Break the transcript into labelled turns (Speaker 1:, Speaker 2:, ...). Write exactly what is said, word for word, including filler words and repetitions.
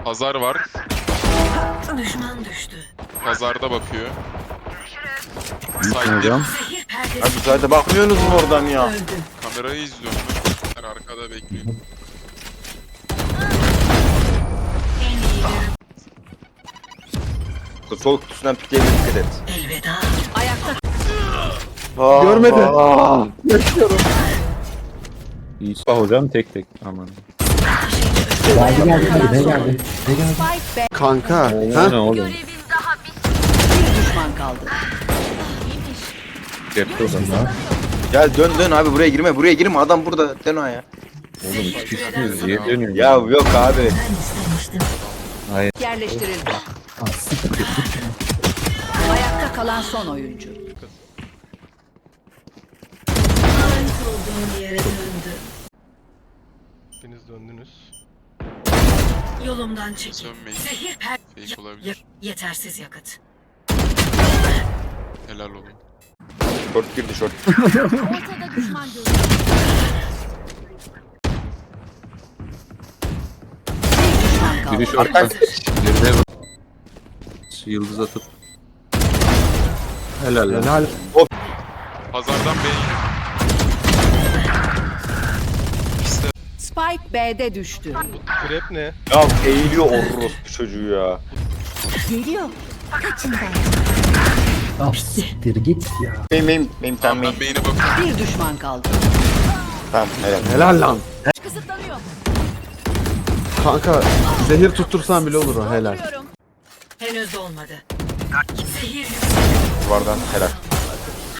Speaker 1: Pazar var.
Speaker 2: Düşman düştü.
Speaker 1: Pazarda bakıyor.
Speaker 3: Hocam.
Speaker 1: Side'de
Speaker 2: Zehir perdesi
Speaker 4: Abi zaten bakmıyorsunuz mu oradan ya?
Speaker 2: öldü.
Speaker 1: kamerayı izliyorum. Ben arkada bekliyorum.
Speaker 2: En iyileri
Speaker 4: Sol kutusundan pikleyebilir, dikkat et.
Speaker 2: elveda. Ayakta
Speaker 4: Aa,
Speaker 3: Görmedi.
Speaker 4: aa.
Speaker 3: İyi sağ hocam tek tek. Aman.
Speaker 5: Geldi geldi geldi ne geldi? Ne geldi?
Speaker 2: Spike be.
Speaker 6: Kanka.
Speaker 3: O
Speaker 6: Ha?
Speaker 3: ne oğlum?
Speaker 2: Bir düşman kaldı.
Speaker 3: Cepte adam.
Speaker 4: Gel dön dön abi, buraya girme, buraya girme, adam burada, dön o ya.
Speaker 3: Oğlum iki kişisiniz. Niye dönüyorsun?
Speaker 4: Ya yok abi.
Speaker 2: Yerleştirildi.
Speaker 5: Aa, siktir.
Speaker 2: Ayakta kalan son oyuncu. olduğum yere döndü.
Speaker 6: Hepiniz döndünüz.
Speaker 2: Yolumdan çekil.
Speaker 1: Sönmeyin.
Speaker 2: Zehir per...
Speaker 1: Fake olabilir.
Speaker 2: Yetersiz yakıt.
Speaker 1: Helal olun.
Speaker 4: Short girdi, short.
Speaker 2: Ortada düşman görüldü. Bir düşman kaldı.
Speaker 3: Biri şorttan. Birine bak. Yıldız atıp. Helal lan.
Speaker 6: Helal.
Speaker 1: Pazardan B'ye. İşte
Speaker 2: Spike B'de düştü.
Speaker 6: Krep ne?
Speaker 4: Ya eğiliyor orospu çocuğu ya.
Speaker 2: Geliyor. Kaçın
Speaker 5: Ah siktir git ya.
Speaker 4: Benim benim benim tam
Speaker 1: ben
Speaker 4: benim.
Speaker 1: B'ine bakıyorum.
Speaker 2: Bir düşman kaldı.
Speaker 4: Tamam helal.
Speaker 6: Helal lan.
Speaker 2: Kısıtlanıyor.
Speaker 6: Kanka zehir tuttursan bile olur o helal.
Speaker 2: Henüz olmadı. Zehir
Speaker 4: Duvardan helal.